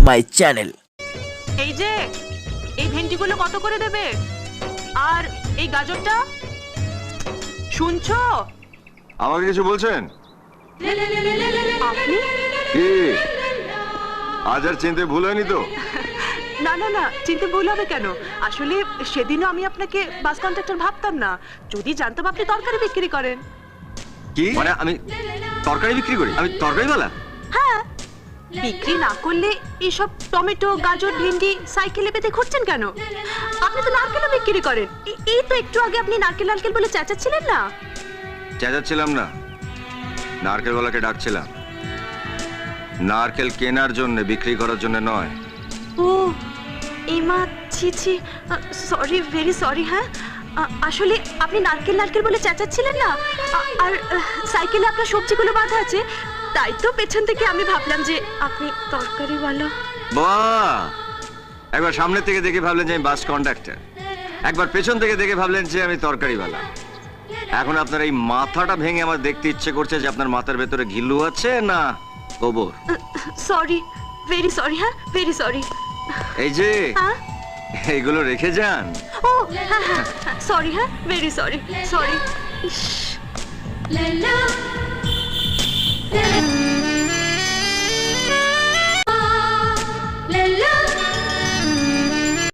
My channel. এই যে এই ভেন্ডিগুলো কত করে দেবে? আর এই গাজরটা শুনছো? আমাকে কিছু বলছেন? আপনি? কি আজ আর চিনতে ভুল হয়নি তো? না না না, চিনতে ভুল হবে কেন? আসলে সেদিনও আমি আপনাকে বাস কন্ট্রাক্টর ভাবতাম না। যদি জানতাম আপনি তরকারি বিক্রি করেন। কি মানে আমি তরকারি বিক্রি করি? আমি তরকারিওয়ালা? হ্যাঁ, বিক্রি না করলে এইসব টমেটো গাজর ভেন্ডি সাইকেলে পেতে ঘুরছেন কেন? আপনি তো নারকেলও বিক্রি করেন। এই তো একটু আগে আপনি নারকেল নারকেল বলে চেঁচাচ্ছিলেন না? চেঁচাচ্ছিলাম না, নারকেলওয়ালাকে ডাকছিলাম। নারকেল কেনার জন্য, বিক্রি করার জন্য নয়। ও এমা, ছি ছি, সরি, ভেরি সরি। হ্যাঁ, আসলে আপনি নারকেল নারকেল বলে চেঁচাচ্ছিলেন না, আর সাইকেলে আপনার সবজিগুলো বাঁধা আছে, তাই তো পেছন থেকে আমি ভাবলাম যে আপনি তরকারিওয়ালা। বাহ, একবার সামনে থেকে দেখে ভাবলেন যে আমি বাস কন্ডাক্টর, একবার পেছন থেকে দেখে ভাবলেন যে আমি তরকারিওয়ালা। এখন আপনার এই মাথাটা ভেঙে আমার দেখতে ইচ্ছে করছে যে আপনার মাথার ভেতরে ঘিলু আছে না গোবর। Sorry, very sorry. হ্যাঁ, ভেরি সরি। এই যে হ্যাঁ, এইগুলো রেখে যান। ও হ্যাঁ হ্যাঁ, সরি। হ্যাঁ, ভেরি সরি, সরি।